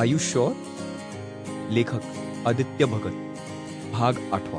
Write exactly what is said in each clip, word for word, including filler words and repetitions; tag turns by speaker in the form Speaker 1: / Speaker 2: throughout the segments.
Speaker 1: आयुष्य लेखक आदित्य भगत भाग आठवा.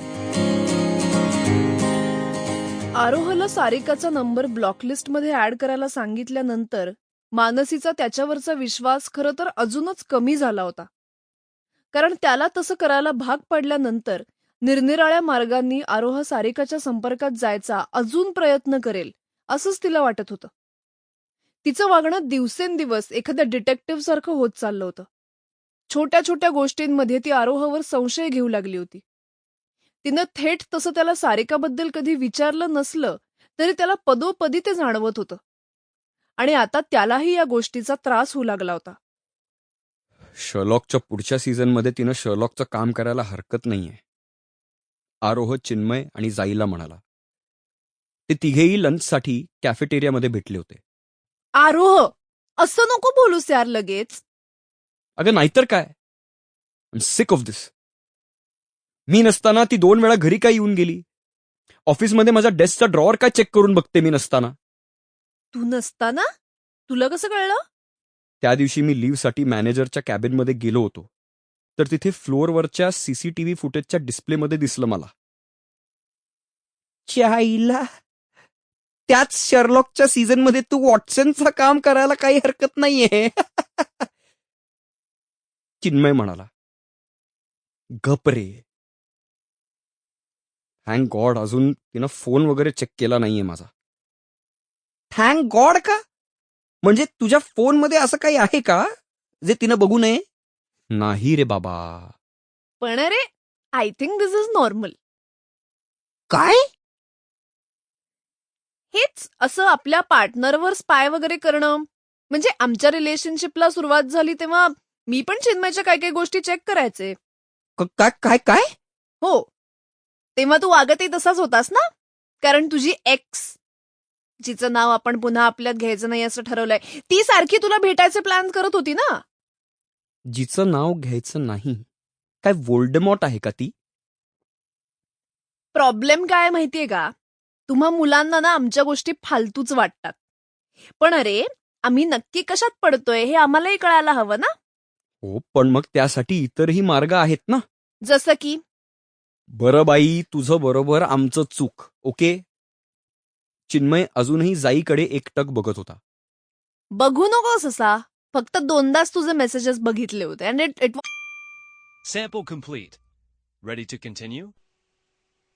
Speaker 2: आरोहला सारिकाचा नंबर ब्लॉकलिस्टमध्ये ऍड करायला सांगितल्यानंतर मानसीचा त्याच्यावरचा विश्वास खरं तर अजूनच कमी झाला होता. कारण त्याला तसं करायला भाग पडल्यानंतर निरनिराळ्या मार्गांनी आरोह सारिकाच्या संपर्कात जायचा अजून प्रयत्न करेल असंच तिला वाटत होतं. तिचं वागणं दिवसेंदिवस एखाद्या डिटेक्टिव्ह सारखं होत चाललं होतं. छोट्या छोट्या गोष्टींमध्ये ती आरोहवर संशय घेऊ लागली होती. तिनं थेट तसं त्याला सारिकाबद्दल कधी विचारलं नसलं तरी त्याला पदोपदी ते जाणवत होतं. आणि आता त्यालाही या गोष्टीचा त्रास होऊ लागला होता.
Speaker 1: शर्लॉकच्या पुढच्या सीझनमध्ये तिनं शर्लॉकचं काम करायला हरकत नाहीये, आरोह, चिन्मय आणि जाईला म्हणाला. ते तिघेही लंचसाठी कॅफेटेरियामध्ये भेटले होते.
Speaker 2: आरोह, असं नको बोलूस यार लगेच.
Speaker 1: अगं नाहीतर काय, I am sick of this. मी नसताना ती दोन वेळा घरी काय येऊन गेली. ऑफिसमध्ये माझ्या डेस्कचा ड्रॉवर काय चेक करून बघते मी नसताना.
Speaker 2: तू नसताना? तुला कसं कळलं?
Speaker 1: त्या दिवशी मी लिव्हसाठी मॅनेजरच्या कॅबिनमध्ये गेलो होतो, तर तिथे फ्लोअरवरच्या सीसीटीव्ही फुटेजच्या डिस्प्लेमध्ये दिसलं मला. चाईला, त्याच शर्लॉकच्या सीझनमध्ये तू वॉटसनचं काम करायला काही हरकत नाहीये. चिन्मय म्हणाला. गप रे. थँक गॉड अजून तिनं फोन वगैरे चेक केला नाहीये माझा. थँक गॉड का? म्हणजे तुझ्या फोनमध्ये असं काही आहे का जे तिनं बघू नये? नाही रे बाबा.
Speaker 2: पण अरे, I think this is normal.
Speaker 1: काय?
Speaker 2: हेच असं आपल्या पार्टनरवर स्पाय वगैरे करणं. म्हणजे आमच्या रिलेशनशिपला सुरुवात झाली तेव्हा मी पण चिन्मयच्या काय काय गोष्टी चेक करायचे.
Speaker 1: काय काय काय?
Speaker 2: हो, तेव्हा तू वागतही तसाच होतास ना. कारण तुझी एक्स, जिचं नाव आपण पुन्हा आपल्यात घ्यायचं नाही असं ठरवलंय, ती सारखी तुला भेटायचे प्लॅन करत होती ना.
Speaker 1: जिचं नाव घ्यायचं नाही? काय वोल्डेमॉर्ट आहे का ती?
Speaker 2: प्रॉब्लेम काय माहितीये का, तुम्हा मुलांना ना आमच्या गोष्टी फालतूच वाटतात. पण अरे, आम्ही नक्की कशात पडतोय हे आम्हालाही कळायला हवं ना.
Speaker 1: हो, पण मग त्यासाठी इतरही मार्ग आहेत ना.
Speaker 2: जसं की?
Speaker 1: बरं बाई, तुझं बरोबर, आमचं चूक. ओके. चिन्मय अजूनही जाईकडे एकटक बघत होता.
Speaker 2: बघू नकोस असा. फक्त दोनदाच तुझे मेसेजेस बघितले होते. And it it
Speaker 3: Sample complete. Ready to continue?